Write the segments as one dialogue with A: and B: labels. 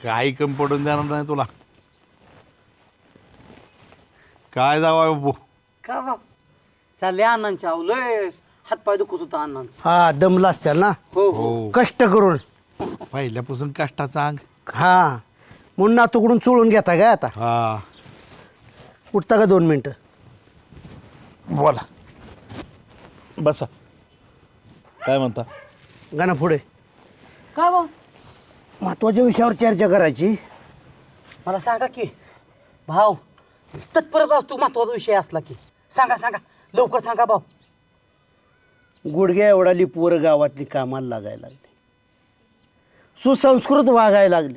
A: काही कमी पडून देणार नाही तुला. काय जावा बाबू.
B: का बाप चालले अण्णांच्या आवलय हातपाय दुखत होता अण्णांचा.
C: हा दमला असत्याल ना
B: हो हो
A: हो
C: कष्ट करून.
A: पहिल्यापासून कष्टाचा अंग.
C: हा म्हणून नातूकडून चोळून घेता काय आता.
A: हा
C: उठता का 2 मिनिटं.
A: बोला. बसा. काय म्हणता.
C: गाणं पुढे.
B: का बाप
C: महत्वाच्या विषयावर चर्चा करायची.
B: मला सांगा की भाऊ तत्परत असतो महत्वाचा विषय असला की सांगा सांगा लवकर सांगा भाऊ.
C: गुडघ्या एवढाली पोरं गावातली कामाला लागायला लागली. सुसंस्कृत वागायला लागली.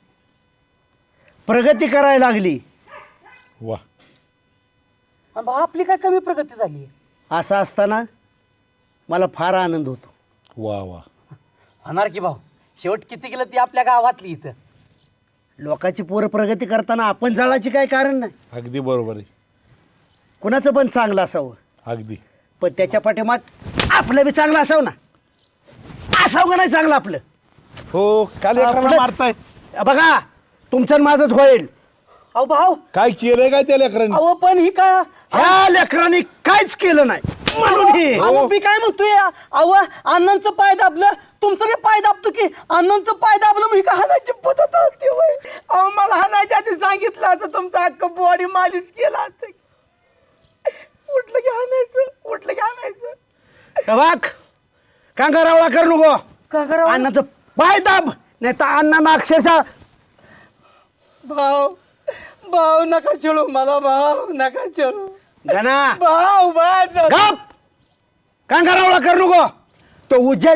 C: प्रगती करायला लागली.
A: वा.
B: आणि भाऊ आपली काय कमी प्रगती झाली.
C: असं असताना मला फार आनंद होतो.
A: वा वा.
B: होणार की भाऊ शेवट किती केलं ती आपल्या गावातली इथं.
C: लोकांची पोरं प्रगती करताना आपण जळायची काय कारण नाही.
A: अगदी बरोबर आहे.
C: कुणाचं पण चांगलं असावं
A: अगदी.
C: पण त्याच्या पाठीमाग आपलं बी चांगलं असावं ना. असावं का नाही चांगलं आपलं.
A: हो काल
C: आपलंच.
A: मारताय.
C: बघा तुमचं आणि माझंच होईल.
B: अहो भाऊ
A: काय केलंय काय त्या लेकरांनी.
B: अहो पण ही काय
C: ह्या लेकरांनी काहीच केलं नाही म्हणून हे.
B: अहो मी काय म्हणतोय अहो अण्णांचं पाय दाबलं तुमचं बी पाय दाबतो की अण्णांचं पाय दाबलं मी का हाणायची पद्धत होती होय. अहो मला हाणायच्या आधी सांगितलं असं तुमचं अख्ख बॉडी मालिश केला असतं. उठलं की हाणायचं उठलं की हाणायचं.
C: बघ कांगारावळा कर नको.
B: का करावं
C: अण्णाचं पाय दाब नाही तर अण्णांना अक्षरशः.
B: भाऊ भाऊ नका चळू मला भाऊ नका चळू
C: गणा
B: भाऊ बस
C: गप. कांगारावळा कर नको. तो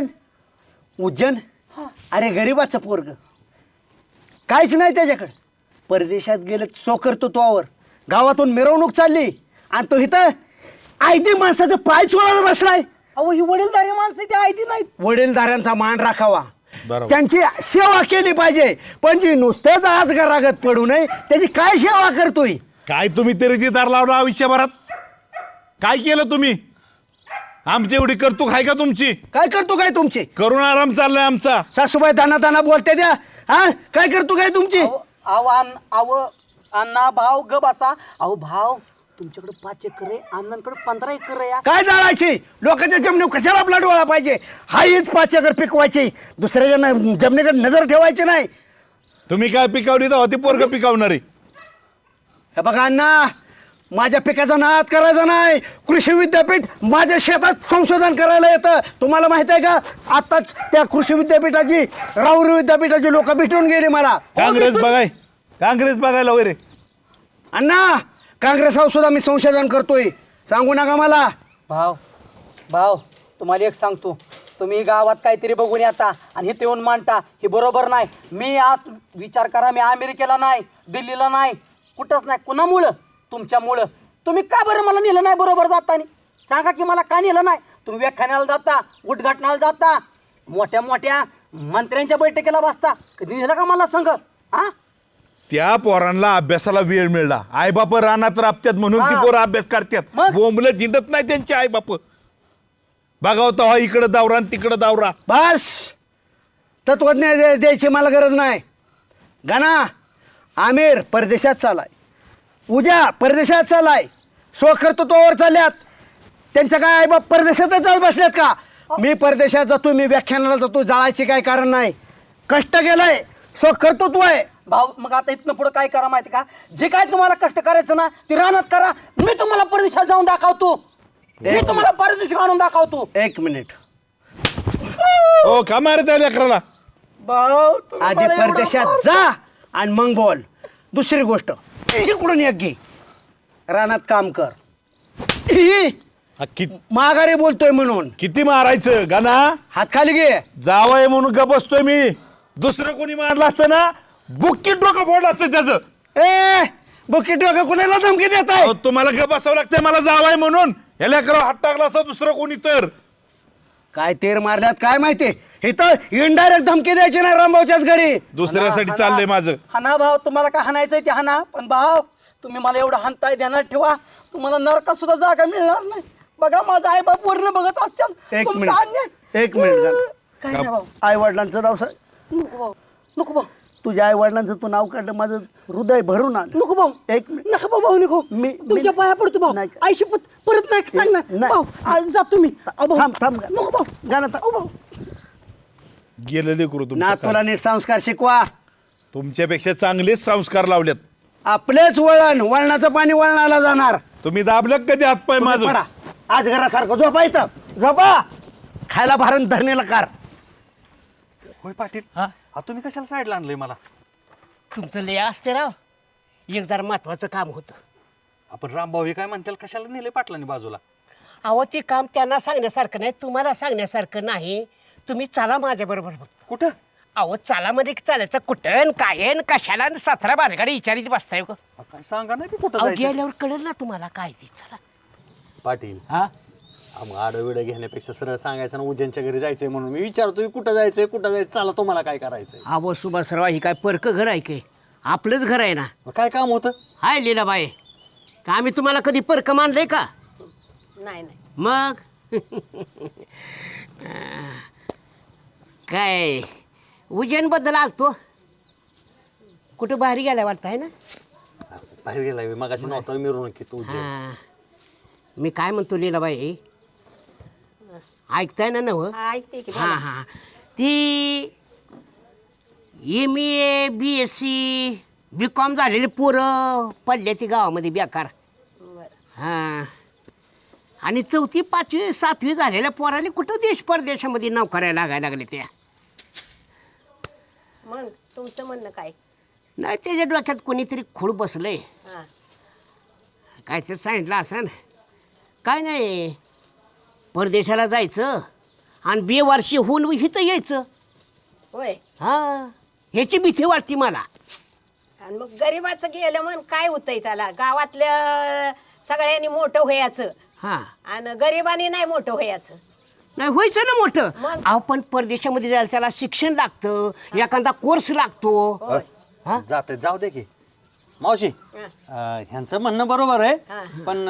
C: उज्जैन अरे गरीबाचं पोरग काहीच नाही त्याच्याकडे. परदेशात गेलं सो करतो तोवर. गावातून मिरवणूक चालली आणि तो इथं आयदी माणसाचं पाय चोळायला बसलाय.
B: अहो ही वडीलधारी माणसं ती आयती नाहीत.
C: वडीलधाऱ्यांचा मान राखावा.
A: बरोबर.
C: त्यांची सेवा केली पाहिजे पण जी नुसतेच आज गरागत पडू नये त्याची काय सेवा करतोय.
A: काय तुम्ही तरी दार लावला आयुष्यभरात. काय केलं तुम्ही. आमची एवढी करतूक आहे का तुमची.
C: काय करतो काय तुमची.
A: करून आराम चाललाय आमचा.
C: सासूबाई दाना दाना बोलते द्या. हा काय करतो काय तुमची.
B: अहो अण्णा भाऊ ग बसा. अहो भाऊ तुमच्याकडे 5 एकर आहे अण्णांकडे 15 एकर आहे.
C: काय जाळायची लोकांच्या जमिनी कशाला आपला डोळा पाहिजे. हाच 5 एकर पिकवायची दुसऱ्याच्या जमिनीकडे नजर ठेवायची नाही.
A: तुम्ही काय पिकावली तर होती पोरग पिकावणारी.
C: हे बघा अण्णा माझ्या पिकाचा नाद करायचा नाही. कृषी विद्यापीठ माझ्या शेतात संशोधन करायला येतं. तुम्हाला माहित आहे का आताच त्या कृषी विद्यापीठाची राहुरी विद्यापीठाची लोक भेटून गेली मला.
A: काँग्रेस बघायला वगैरे.
C: अण्णा काँग्रेसावर सुद्धा मी संशोधन करतोय. सांगू नका मला.
B: भाऊ तुम्हाला एक सांगतो तुम्ही गावात काहीतरी बघून येता आणि हे येऊन मांडता हे बरोबर नाही. मी आज विचार करा मी अमेरिकेला नाही दिल्लीला नाही कुठंच नाही. कुणामुळं तुमच्यामुळं. तुम्ही का बरं मला नेलं नाही बरोबर जातानी सांगा की मला का नेलं नाही. तुम्ही व्याख्यानाला जाता उद्घाटनाला जाता मोठ्या मोठ्या मंत्र्यांच्या बैठकीला बसता कधी नेलं का मला संघ. हा
A: त्या पोरांना अभ्यासाला वेळ मिळला. आईबाप रानात राबत्यात म्हणून ती
B: हा.
A: पोरं अभ्यास करतात.
B: मग?
A: बोंबलं जिंडत नाही त्यांचे आईबाप. बघावता हा इकडं दावरा आणि तिकडं दावरा.
C: बस तत्वज्ञ द्यायची मला गरज नाही. गाना आमिर परदेशात चालाय. उद्या परदेशात चालाय. सो कर्तृत्वावर चालल्यात. त्यांच्या काय आई बाप परदेशातच जात बसल्यात का. मी परदेशात जातो मी व्याख्यानाला जातो जाळायचे काय कारण नाही. कष्ट केलंय सो कर्तृत्व आहे.
B: भाऊ मग आता इथनं पुढं काय करा माहिती का जे काय तुम्हाला कष्ट करायचं ना ते रानात करा. मी तुम्हाला परदेशात जाऊन दाखवतो. मी तुम्हाला परदेशात आणून दाखवतो.
C: 1 मिनिट.
A: हो का मारे त्या लेकराला.
B: भाऊ तुम्ही
C: आधी
B: मला एवढं
C: परदेशात
B: मारता.
C: जा आणि मग बोल. दुसरी गोष्ट इकडून एक घे रानात काम कर. ही,
A: हा,
C: माघारी बोलतोय म्हणून
A: किती मारायचं गाना.
C: हात खाली घे.
A: जावय म्हणून ग बसतोय मी. दुसरं कोणी मारलं असतं ना बुक्कीत डोकं फोडलं असतं त्याचं.
C: ए बुकीट कुणाला धमकी देत आहे.
A: अहो, तुम्हाला ग बसावं लागतंय मला जावाय म्हणून. या लेकरावर हात टाकला असता दुसरं कोणी तर.
C: काय तेर मारल्यात काय माहिती. इथं इनडायरेक्ट धमकी द्यायची नाही रामभाऊच्याच घरी.
A: दुसऱ्यासाठी चाललंय माझं.
B: हाना भाऊ तुम्हाला काय हाणायचंय ते हाना पण भाऊ तुम्ही मला एवढं हाणताय ध्यानात ठेवा तुम्हाला नरकात सुद्धा जागा मिळणार नाही. बघा माझा आई बाप वर्ण बघत असतात.
C: एक
B: तुमचा अन्याय.
C: मिनिट.
B: काय नाही भाऊ
C: आई वडिलांचं नाव सांग.
B: नको भाऊ नको भाऊ
C: तुझ्या आई वडिलांचं तू नाव काढलं माझं हृदय भरून आलं.
B: नको भाऊ,
C: एक मिनिट.
B: नका भाऊ, भाऊ नको. तुमच्या पाया पडतो भाऊ.
C: नाही.
B: आई शपथ परत नाही सांग ना
C: नाही.
B: भाऊ. आज जातो मी. अहो, भाऊ.
C: थांब थांब
B: नको भाऊ.
C: गाणं
B: अहो, भाऊ.
A: गेलेले करू
C: नातवाला नीट संस्कार शिकवा.
A: तुमच्यापेक्षा चांगलेच संस्कार लावलेत.
C: आपलेच वळणाचं पाणी वळणाला जाणार.
A: तुम्ही दाबलं कधी हातपाय माझं?
C: पडा. आज घरासारखं झोपा इथं झोपा. खायला भारण धरणीला कार.
D: होय पाटील हा तुम्ही कशाला साईडला आणलंय मला?
E: तुमचं लय असते राव. एक जरा महत्वाचं काम होतं.
D: आपण रामभाऊ हे काय म्हणतील कशाला नेले पाटलांनी बाजूला?
E: अहो ते काम त्यांना सांगण्यासारखं नाही, तुम्हाला सांगण्यासारखं नाही. तुम्ही चला माझ्याबरोबर फक्त.
D: कुठं?
E: अहो चला मध्ये चालायचं कुठं काय न कशाला न 17 बालगाडी विचारित बसताय का?
D: काय सांगा नाही की कुठं
E: अहो
D: जायचं?
E: गेल्यावर कळेल ना तुम्हाला काय ते. चला.
D: पाटील
E: हा
D: मग आडविडं घेण्यापेक्षा सरळ सांगायचं ना उज्जैनच्या घरी जायचंय म्हणून. मी विचारतोय कुठं जायचंय कुठं जायचं, चला तुम्हाला काय करायचंय?
E: अहो सुभासराव ही काय परक घर आहे काय? आपलंच घर आहे ना.
D: मग काय काम होतं?
E: हाय लीलाबाई, का आम्ही तुम्हाला कधी परक मानलंय का?
F: नाही नाही.
E: मग काय उज्जैनबद्दल आलतो. कुठं बाहेर गेलाय वाटतं आहे ना?
D: बाहेर गेलाय मगाशी नव्हता मिरवणुकीत उज्जैन.
E: हां, मी काय म्हणतो लीलाबाई, ऐकताय ना नव?
F: हा, ऐकते की
E: हां हां, ती MA BSc BCom झालेली पोरं पडले ती गावामध्ये बेकार. हां, आणि 4थी 5वी 7वी झालेल्या पोराले कुठं देश परदेशामध्ये नोकऱ्या लागायला लागले त्या.
F: मग तुमचं म्हणणं काय?
E: नाही त्याच्या डोक्यात कोणीतरी खूळ बसलंय.
F: हा
E: काय ते सांगितलं असं काय नाही, परदेशाला जायचं आणि बेवारशी होऊन इथं यायचं.
F: होय.
E: हां, ह्याची भीती वाटते मला.
F: आणि मग गरीबाचं गेलं म्हण काय होतंय त्याला? गावातल्या सगळ्यांनी मोठं व्हायचं
E: हां,
F: आणि गरिबांनी नाही मोठं व्हायचं.
E: नाही व्हायचं ना मोठं.
F: मग?
E: अहो पण परदेशामध्ये जायला त्याला शिक्षण लागतं, एखादा कोर्स लागतो.
F: होय.
D: जाते जाऊ दे की मावशी.
F: हा.
D: ह्यांचं म्हणणं बरोबर
F: हा.
D: आहे पण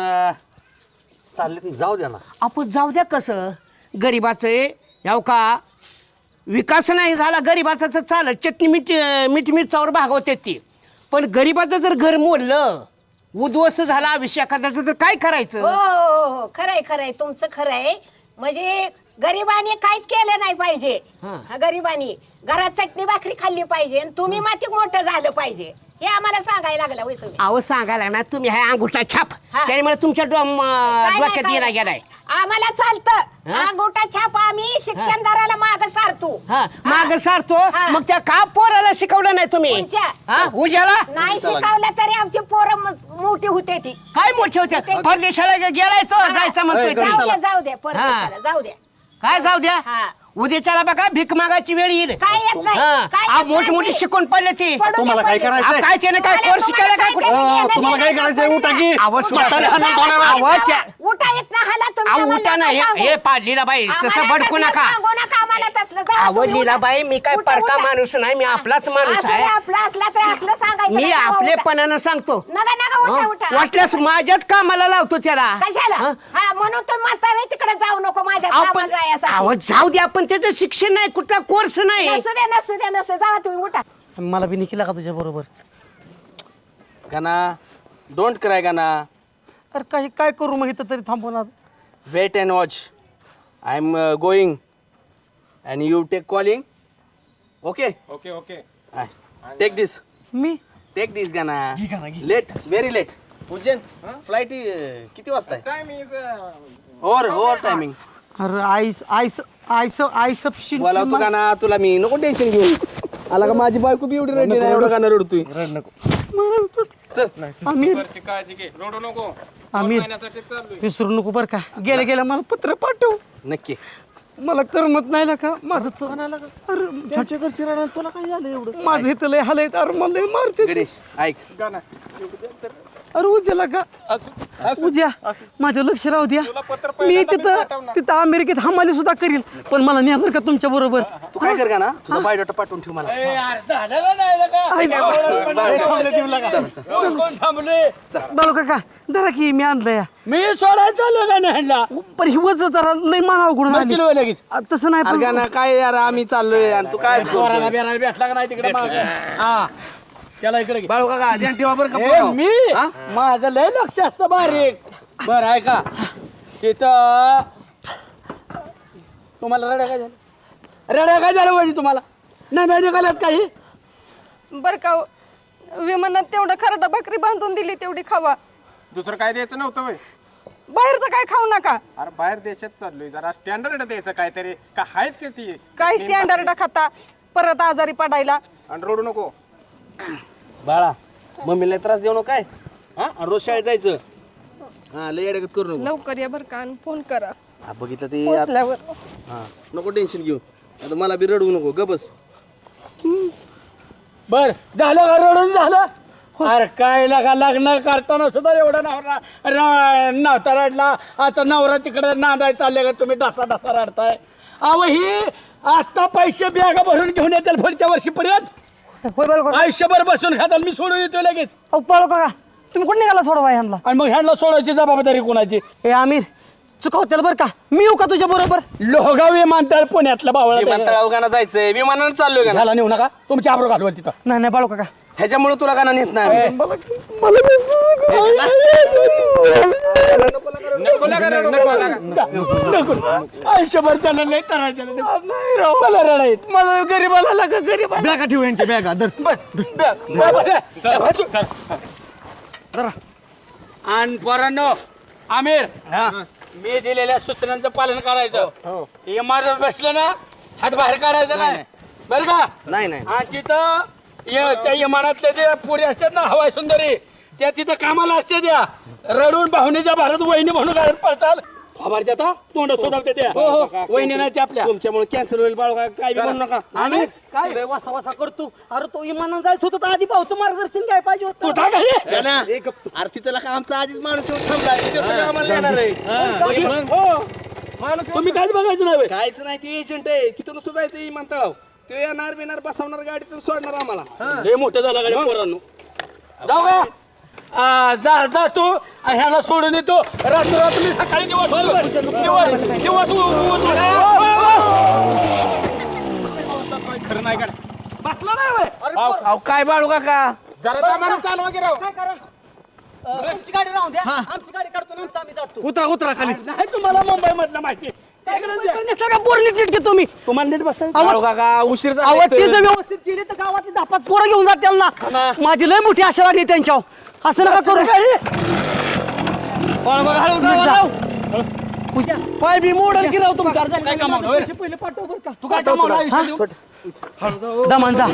D: चालले जाऊ द्या ना.
E: आपण जाऊ द्या. कसं गरिबाचं याव का विकास नाही झाला गरिबाचा तर चालत, चटणी मीठ मिरचावर भागवते ती. पण गरिबाचं जर घर मोडलं, उद्ध्वस्त झाला आयुष्य एखाद्याचं, तर काय
F: हो
E: करायचं?
F: हो हो, खरंय खरंय तुमचं खरंय. म्हणजे गरिबांनी काहीच केलं नाही पाहिजे.
E: हा.
F: हा, गरिबांनी घरात चटणी भाकरी खाल्ली पाहिजे आणि तुम्ही माती मोठं झालं पाहिजे हे आम्हाला सांगायला लागला होय तुम्ही.
E: अहो सांगायला ना तुम्ही हाय अंगुठा छाप,
F: हा.
E: त्यामुळे तुमच्या
F: काय नाही,
E: डोक्यात
F: काय
E: येणार
F: नाही.
E: गेलाय.
F: आम्हाला चालतं.
E: हा?
F: अंगोठा छाप आम्ही शिक्षणदाराला माग सारतो.
E: हा, माग सारतो.
F: हा.
E: मग त्या का पोराला शिकवलं नाही तुम्ही?
F: कोणच्या?
E: हा, उज्याला
F: नाही शिकवलं तरी आमची पोरं मोठी होते ती.
E: काय मोठे होते? परदेशाला गेलाय तो,
F: हा.
E: जायचं म्हणतोय
D: घरी
E: ते.
F: जाऊ द्या परदेशाला जाऊ द्या.
E: काय जाऊ द्या?
F: हा.
E: उद्याच्याला बघा भीक मागायची वेळ येईल.
F: काय येत नाही.
E: हा,
F: काय
E: आ,
F: येत
E: मोठी
F: नाही.
E: मोठी शिकून पडले ती.
F: पडू दे,
D: तुम्हाला काय
F: पडू दे.
D: करायचंय?
E: काय त्याने काय
F: तुम्हाला-
E: कोर्स शिकायला काय
F: तुम्हाला
E: कुठं?
F: काय
D: तुम्हाला काय करायचंय? उठा की.
E: आवाज सुद्धा-
D: म्हातारे हाणून तोडायला.
E: आवाज त्या-
F: उठा येत ना हाला तुम्ही
E: अहो,
F: आम्हाला
E: उठा नाही.
F: नका सांगू.
E: हे पाडलीला बाई तसं
F: आम्हाला
E: भडकू
F: तसलं
E: नका.
F: सांगू नका आम्हाला तसलं. जा
E: अहो
F: तुम्ही,
E: लीला
F: उठा.
E: बाई, मी काय
F: उठा,
E: परका
F: उठा.
E: माणूस नाही, मी आपलाच माणूस
F: असू दे,
E: आहे.
F: आपला असला तर असलं सांगायचं
E: मी
F: नाही. जावा, उठा.
E: आपलेपणानं सांगतो.
F: नका नका उठा
E: हं?
F: उठा.
E: वाटल्यास माझ्याच कामाला लावतो त्याला.
F: कशाला?
E: हं?
F: हा म्हणून तर म्हातारे तिकडे जाऊ नको माझ्या
E: आपण
F: कामाला जायसाठी.
E: अहो जाऊ द्या, पण त्याचं शिक्षण नाही, कुठला कोर्स नाही.
F: नसू द्या नसू द्या नसू जावा तुम्ही उठा.
B: मला बी निघिला का तुझ्या बरोबर?
D: गाना डोंट क्राय गाना.
B: अरे काय काय करू मग इथं तरी थांबवणार?
D: Wait and watch. I am going and you take calling. Okay
G: okay okay.
D: Take this.
B: मी
D: टेक दिस गाना. Late very late. Ujjain flight किती वाजता आहे?
G: Time is
D: over timing.
B: अरे आई सफिशियंट.
D: बोला तू गाना, तुला मी नको टेन्शन घेऊ. आला का माझी बायको बी एवढी रडली नाही, एवढं गाणं रडतोय. चल
B: आमिर
G: घरची काळजी घे, रडू नको.
B: आमिर
G: महिन्यासाठी चाललोय.
B: विसरू नको बरं का. गेल्या गेल्या मला पत्र पाठव.
D: नक्की.
B: मला करमत नाही ना का माझं तर. अरे
D: घरच्या घरची रडण तुला काय झालं एवढं?
B: माझं इथं लय हाल आहेत. अरे मला लय मारते.
D: गणेश ऐक.
G: गाणं.
B: अरे उद्याला का उद्या माझं लक्ष राहू द्या मी तिथं अमेरिकेत हमाली सुद्धा करील पण मला नाही बरं का तुमच्या बरोबर
D: तू काय कर का ना तुझा बायोडाटा पाठवून ठेव मला
B: बाळू काका धरा की मी आणलंय
E: मी सोडायला चाललो का नाही
B: पण ही वज जरा लय मानाव गुण
E: लगेच
B: तसं नाही
D: अरे
B: पण
D: गाणं काय यार आम्ही चाललोय आणि तू काय
E: भेटला का नाही तिकडे हा त्याला इकडे घे.
D: बाळू काका ध्यान ठेवा बरं
E: ए,
D: का
E: मी माझं लय लक्ष असतं बारीक बरं आहे का तिथं तुम्हाला रड्या काय झालं रड्या काय झालं म्हणजे तुम्हाला नाही निघाल्यात काही
H: बर का विमानात तेवढं खरडा भाकरी बांधून दिली तेवढी खावा
G: दुसरं काय द्यायचं नव्हतं वय
H: बाहेरचं काय खाऊ नका
G: अरे बाहेर देशात चाललोय जरा स्टँडर्ड द्यायचं काहीतरी का आहेत की ती
H: काय स्टँडर्ड खाता परत आजारी पडायला
G: आणि रडू नको
D: बाळा मम्मीला त्रास देऊ नको काय हा आणि रोज शाळेत जायचं हा लय अडगत करू नको
H: लवकर या बर का आणि फोन करा
D: हा, बघितलं ते आता-
H: पोचल्यावर
D: हा नको टेन्शन घेऊ आता मला बी रडवू नको ग बस
E: बर झालं का रडून झालं अरे काय लागा लग्न करताना सुद्धा एवढा नवरा नव्हता रडला आता नवरा तिकडे नांदाय चालले का तुम्ही डसा डसा रडताय अहो ही आता पैसे बॅगा भरून घेऊन येतील पुढच्या वर्षीपर्यंत
B: होय बाळू काका
E: आयुष्यभर बसून खाताल मी सोडून येतो लगेच
B: अहो बाळू काका तुम्ही कुठे निघाला सोडवा ह्यांना
E: आणि मग ह्यांना सोडायची जबाबदारी कोणाची
B: ए आमिर चुकवतेल बरं का मी येऊ का तुझ्या बरोबर
E: लोहगाव विमानतळ पुण्यातलं बावळा
D: विमानतळावर गाणं जायचंय विमानानं चाललोय गाणं
E: ह्याला नेऊ नका तुमची आबरू घालवा तिथं
B: नाही नाही बाळू काका
D: ह्याच्यामुळे तुला गाणं नेत नाही आम्ही.
E: नको आयुष्यभर त्याला नाही तर मला रडायत
B: मला गरीबाला लागा गरीबाला
C: बॅगा ठेवू यांच्या बॅगा
E: आणि पोरांनो आमिर मी दिलेल्या सूचनांचं पालन करायचं हे माझं बसलं ना हात बाहेर काढायचं नाही बरं का
D: नाही नाही
E: आणि तिथं त्या विमानातले जे पोरी असतात ना हवाई सुंदरी त्या तिथं कामाला असते त्या रडून भावनेच्या भारत वहिनी म्हणून काय पळचाल खबर देता तोंड सोडवते त्या वहिनी नाही त्या आपल्या
D: तुमच्यामुळे कॅन्सल होईल बाळू काका काय बी म्हणू नका
B: आणि काय रे वासा वासा करतो अरे तो इमानानं जायचं होतं तर आधी भाऊचं मार्गदर्शन काय पाहिजे होतं
E: तुझा काही
D: गाणं, आरती तुला का आमचा आधीच माणूस येऊन थांबलाय ते सगळं आम्हाला येणार आहे
E: तुम्ही काहीच बघायचं नाही बे.
D: काहीच नाही ते एजंट आहे तिथं नुसतं जायचं विमानतळाव ते येणार बिणार बसवणार गाडीतून सोडणार आम्हाला
E: लय मोठं झालं गाडी पोरांनो जाऊ का जा जा तू ह्याला सोडून येतो रात्र मी सकाळी दिवस खरं नाही का बसला नाही बे.
D: अहो काय बाळू काका
G: जरा दमानं चालवा की राव
B: तुमची गाडी राहून द्या आमची गाडी काढतो आणि आमचं आम्ही जातो
C: उतरा खाली
E: नाही तुम्हाला मुंबई मधलं माहिती
B: का बोरली नीट तुम्ही
E: तुम्हाला नीट बसायचं
D: बाळू काका उशीर
B: आवाज ते जर व्यवस्थित केली तर गावातली धापात पोरं घेऊन जातील ना माझी लय मोठी आशा लागली त्यांच्यावर असं नका करू
C: पाय बी मोडल की राव तुमचा
B: पहिले पाठव बरं का
E: तू काय कमावलं आयुष्य देऊ?
B: दमांचा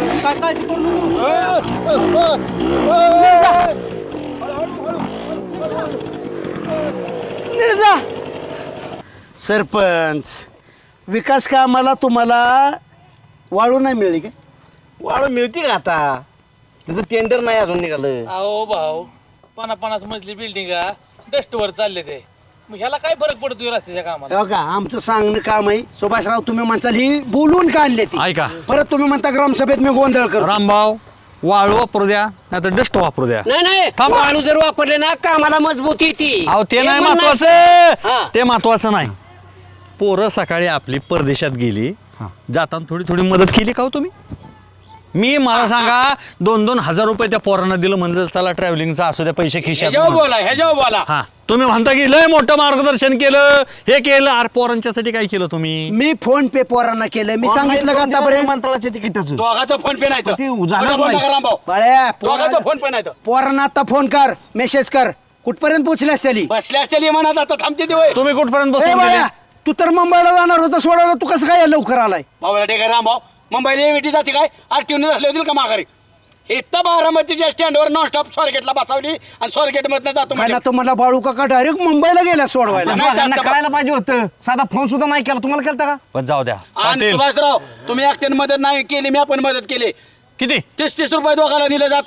C: सरपंच विकास कामाला तुम्हाला वाळू नाही मिळली काय
D: वाळू मिळते का आता त्याचं टेंडर नाही अजून निघालं
I: अहो भाऊ 50 मजली बिल्डिंग डस्टवर चालले ते मग ह्याला काय फरक पडतो रस्त्याच्या कामाला
C: हो का आमचं सांगणं काम आहे सुभाषराव तुम्ही म्हणताल ही बोलून का आणले ती
A: ऐका
C: परत तुम्ही म्हणता ग्रामसभेत मी गोंधळ करतो
A: रामभाऊ वाळू वापरू द्या नाही तर डस्ट वापरू द्या
E: नाही नाही
A: थांबा.
E: वाळू जर वापरले ना कामाला मजबूती येते
A: अहो ते नाही
E: म्हणणं आहे.
A: महत्वाचं
E: हा.
A: ते महत्वाचं नाही पोरं सकाळी आपली परदेशात गेली जाताना थोडी थोडी मदत केली का हो तुम्ही मी मला सांगा 2-2 हजार रुपये त्या पोरांना दिलं म्हणजे चला ट्रॅव्हलिंगचा असू द्या पैसे खिशात
E: ह्याच्यावर
A: म्हणून.
E: बोला ह्याच्यावर बोला
A: हा तुम्ही म्हणता की लय मोठं मार्गदर्शन केलं हे केलं अरे पोरांच्यासाठी काय केलं तुम्ही
C: मी फोन पे पोरांना केलं मी सांगितलं का आतापर्यंत मंत्राचे तिकीटच
E: दोघाचा फोन पे नाही तर.
C: ते
E: खोटं
C: जाणार
E: बोलता
C: नाही.
E: का रामभाऊ?
C: बाळ्या
E: दोघाचा फोन पे नाही तर.
C: पोरांना आता फोन कर मेसेज कर कुठपर्यंत पोहोचले असतील
E: बसले असतील म्हणत आता थांबते ते वय
A: तुम्ही कुठपर्यंत
C: ए
A: बसून
C: बाळ्या
A: गेले?
C: तू तर मुंबईला जाणार होता सोडायला तू कसं काय लवकर आलाय
E: भाऊला ठीक आहे रामभाऊ मुंबईला एवीटी जाते काय आरटीओने झाले होतील का माघारी इथं बारामतीच्या स्टँडवर नॉनस्टॉप स्वारगेटला बसवली आणि स्वारगेट मधनं जातो
C: काय
E: म्हणजे.
C: ना तर मला बाळू काका डायरेक्ट मुंबईला गेला सोडवायला
E: नाही जास्त बा-
C: कळायला पाहिजे होतं साधा फोन सुद्धा नाही केला तुम्हाला केलता का
A: पण जाऊ द्या
E: आणि
A: पाटील
E: सुभाषराव तुम्ही एकट्याने मदत नाही केली मी आपण मदत केली
A: किती
E: 30 रुपये दोघाला दिले जाताना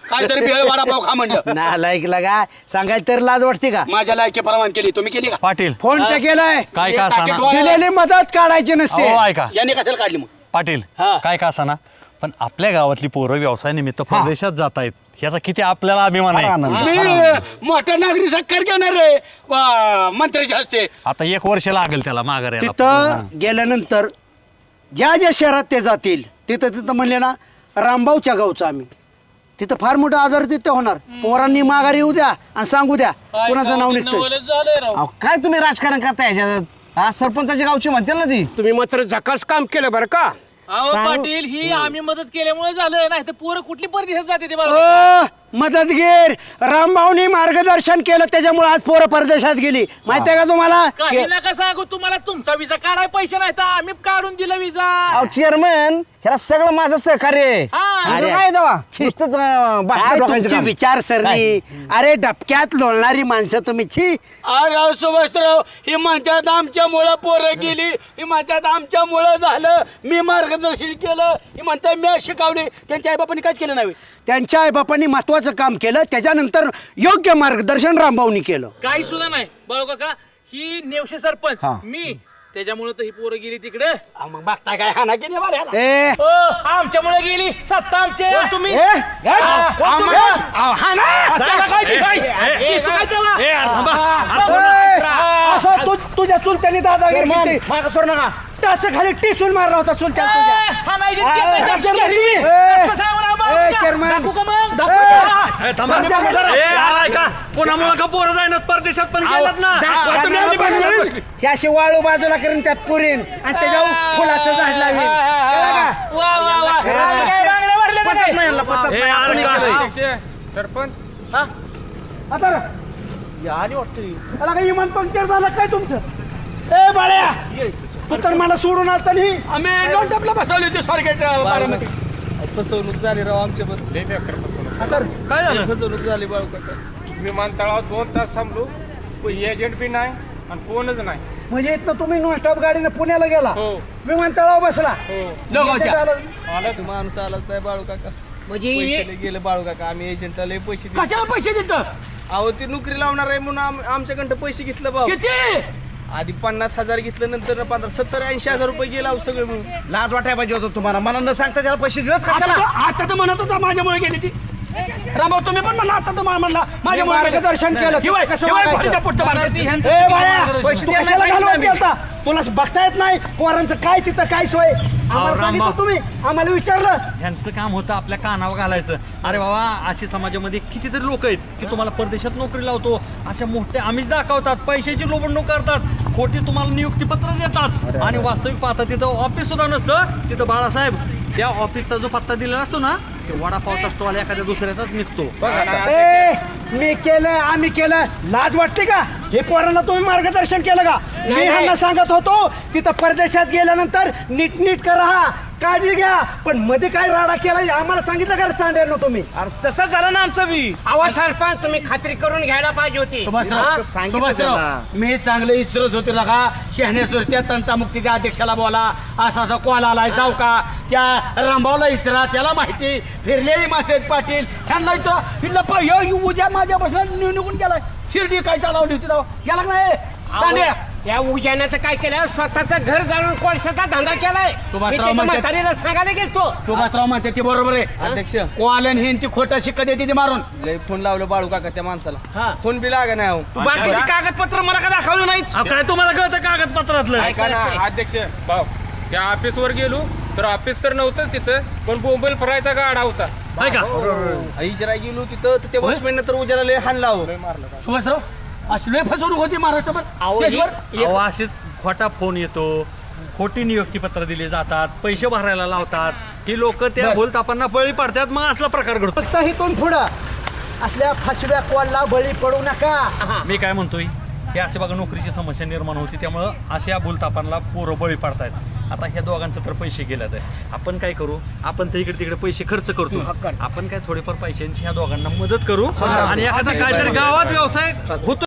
D: काहीतरी भेळ वडापाव खा म्हणलं.
C: ना लायकला का सांगायला तर लाज वाटते का?
D: माझ्या लायकी परवान केली, तुम्ही केली का?
A: पाटील
C: फोन पे केलाय,
A: काय का असाना
C: दिलेली मदत काढायची नसते.
A: अहो, ऐका
D: याने कशाला काढली मग?
A: पाटील
D: हा.
A: काय का असाना पण आपल्या गावातली पोरं व्यवसायानिमित्त परदेशात जात आहेत ह्याचा किती आपल्याला अभिमान आहे.
D: मी मोठा नागरी सत्कार घेणार रे मंत्र्याच्या हस्ते.
A: आता 1 वर्ष लागेल त्याला माघारी
C: तिथं गेल्यानंतर ज्या ज्या शहरात ते जातील तिथं म्हणले ना रामभाऊच्या गावचं आम्ही तिथं फार मोठा आजार तिथं होणार. पोरांनी माघारी येऊ द्या आणि सांगू द्या कोणाचं नाव निघतं.
I: झालंय राव.
B: काय तुम्ही राजकारण करताय ह्याच्यात? हा सरपंचाची गावची म्हणते ना ती.
E: तुम्ही मात्र झकास काम केलं बरं का.
I: अहो पाटील ही आम्ही मदत केल्यामुळे झालं नाही तर पोरं कुठली परदेशात जाते ते बघा.
C: मदतगीर रामभाऊनी मार्गदर्शन केलं त्याच्यामुळे आज पोरं परदेशात गेली माहितीये का तुम्हाला?
I: काही नका सांगू तुम्हाला तुमचा विजा काढाय पैसे नाही तर आम्ही काढून दिला विजा.
B: चेअरमन ह्याला सगळं माझं सहकार्य आहे.
I: हा.
C: अरे,
B: काय तेव्हा नुसतंच,
C: काय
B: डोक्याचं
C: तुमची
B: काम.
C: विचारसरणी? अरे डबक्यात लोळणारी माणसं तुम्ही छी.
D: राव सुभाषराव ही म्हणतात आमच्यामुळं पोरं गेली, ही म्हणतात आमच्यामुळं झालं, मी मार्गदर्शन केलं, ही म्हणतात मी शिकवले. त्यांच्या आईबापांनी काहीच केलं नाही.
C: त्यांच्या आईबापांनी महत्वाचं काम केलं त्याच्यानंतर योग्य मार्गदर्शन रामभाऊनी केलं.
I: काही सुद्धा नाही बाळू काका ही नेवशे सरपंच मी त्याच्यामुळे तर ही पोरं गेली तिकडे.
D: मग बघताय काय हाना की नाही बरं ह्याला?
C: ए
I: आमच्यामुळे गेली सत्ता आमचे तुम्ही
C: ए, असं तुझ्या चुलत्याने दादागिरी माग सोड नका त्याच खाली टिचून मारला होता चुलत्या
A: कोणामुळे का पोरं जाईन परदेशात पण गेलात ना.
C: त्याशी वाळू बाजूला करून त्यात पुरीन आणि त्याच्यावर फुलाचं झाड लावीन.
G: सरपंच
C: आता काही इमान पंक्चर झालं काय तुमचं? ए बाळ्या तू तर मला सोडून आलता नाही.
D: आम्ही नोट टपला बसवली होती स्वारगेटच्या बारामती.
G: फसवणूक झाली राव आमच्या बद्दल.
A: काय झालं?
G: फसवणूक झाली बाळू काका. विमानतळावर 2 तास थांबलो, एजंट बी नाही आणि कोणच नाही.
C: म्हणजे इथनं तुम्ही नॉनस्टॉप गाडीनं पुण्याला गेला,
G: हो.
C: विमानतळावर बसला,
D: दोघांच्या.
G: आला माणूस आलाच नाही बाळू काका. पैसे गेले बाळू काका. आम्ही एजंटला लय पैसे दिले.
D: कशाला पैसे देतं?
G: अहो ती नोकरी लावणार आहे म्हणून आमच्याकडं पैसे घेतलं भाऊ.
D: किती?
G: आधी 50,000 घेतलं, नंतर 70-80,000 रुपये गेला अहो सगळं म्हणून.
B: लाज वाटायला पाहिजे होतं तुम्हाला. मला न सांगता त्याला पैसे दिलंच कशाला?
D: आता तर म्हणत होता माझ्यामुळे गेली ती. रामभाऊ तुम्ही पण म्हणला आता तर म्हणला माझ्यामुळे गेली.
C: मार्गदर्शन केलं.
D: ही वय-
C: कसं
D: ही वय
C: वागायचं?
D: भाजीच्या पुढच्या मार्गाची.
C: ए बाळ्या
G: पैसे
C: तू
G: द्यायला
C: कशाला
G: सांगितलं
C: घालवत
G: आम्ही.
C: गेलता? तुला बघता येत नाही पोरांचं काय तिथं काय सोय? आम्हाला सांगितलं
A: रामभाऊ.
C: तुम्ही, आम्हाला विचारलं.
A: ह्यांचं काम होतं आपल्या कानावर घालायचं. अरे बाबा अशी समाजामध्ये कितीतरी लोक आहेत की तुम्हाला परदेशात नोकरी लावतो अशा मोठे आमिष दाखवतात, पैशाची लोबडणूक करतात, खोटी तुम्हाला नियुक्तीपत्र देतात आणि वास्तविक पाहता तिथं ऑफिस सुद्धा नसतं. तिथं बाळासाहेब त्या ऑफिसचा जो पत्ता दिलेला असतो ना ते वडापावचा स्टॉल एखाद्या दुसऱ्याचाच निघतो.
C: ए मी केलं आम्ही केलं लाज वाटते का? हे पोरांना तुम्ही मार्गदर्शन केलं का? मी ह्यांना सांगत होतो तिथं परदेशात गेल्यानंतर नीट राहा, काळजी घ्या, पण मध्ये काय राडा केला आम्हाला सांगितलं का चांड्यानं तुम्ही?
B: तसंच झालं ना आमचं बी.
E: अहो सरपंच तुम्ही खात्री करून घ्यायला पाहिजे होती.
D: सुभाषराव मी चांगलं इचरत होते नका शहाण्यासुर त्या तंटामुक्तीच्या अध्यक्षाला बोला असा असा कॉल आलाय जाऊ का त्या रामभाऊला इचरा त्याला माहिती फिरलेली मासे पाटील ह्यांना इचरा हिला उद्या माझ्या बसला निघून गेलाय शिर्डी काय चालवली होती तेव्हा गेला का नाही चांड्या
E: या उजाण्याचं काय केलं स्वतःचं घर जाणून कोळशाचा धंदा केलाय.
D: सुभाषराव म्हणतात-
E: म्हातारीला सांगायला गेलतो.
D: सुभाषराव म्हणते ते बरोबर आहे
G: अध्यक्ष
D: कॉल आणि ती खोटं शिक्का देते ती मारून.
G: लय फोन लावलं बाळू काका त्या माणसाला.
E: हा.
G: फोन बी लागा नाही अहो.
B: बाकीची कागदपत्र मला का दाखवलं नाहीत?
A: काय तुम्हाला कळतं कागदपत्रातलं?
I: ऐका ना
J: अध्यक्ष भाऊ त्या ऑफिसवर गेलो तर ऑफिस तर नव्हतंच तिथं पण बोंबल फरायचा गाडा होता.
A: काय का
G: इजरा गेलो तिथं तर त्या वॉचमॅन तर उजाला लय हाण लाव.
D: सुभाषराव असले फसवणूक होती महाराष्ट्रात देशभर.
A: अहो असेच खोटा फोन येतो, खोटी नियुक्तीपत्र दिली जातात, पैसे भरायला लावतात, ही लोक त्या भूलतापांना बळी पडतात, मग असला प्रकार घडतो.
C: फक्त इथून पुढं असल्या फसव्या कॉलला बळी पडू नका.
A: मी काय म्हणतोय हे असे बघा नोकरीची समस्या निर्माण होती त्यामुळं अशा भूलतापांना पोरं बळी पडतायत. आता ह्या दोघांचं तर पैसे गेल्यात आहे, आपण काय करू? आपण तर इकडे तिकडे पैसे खर्च करतो, आपण काय थोडेफार पैशांची ह्या दोघांना मदत करू आणि एखादा काहीतरी गावात व्यवसाय होतो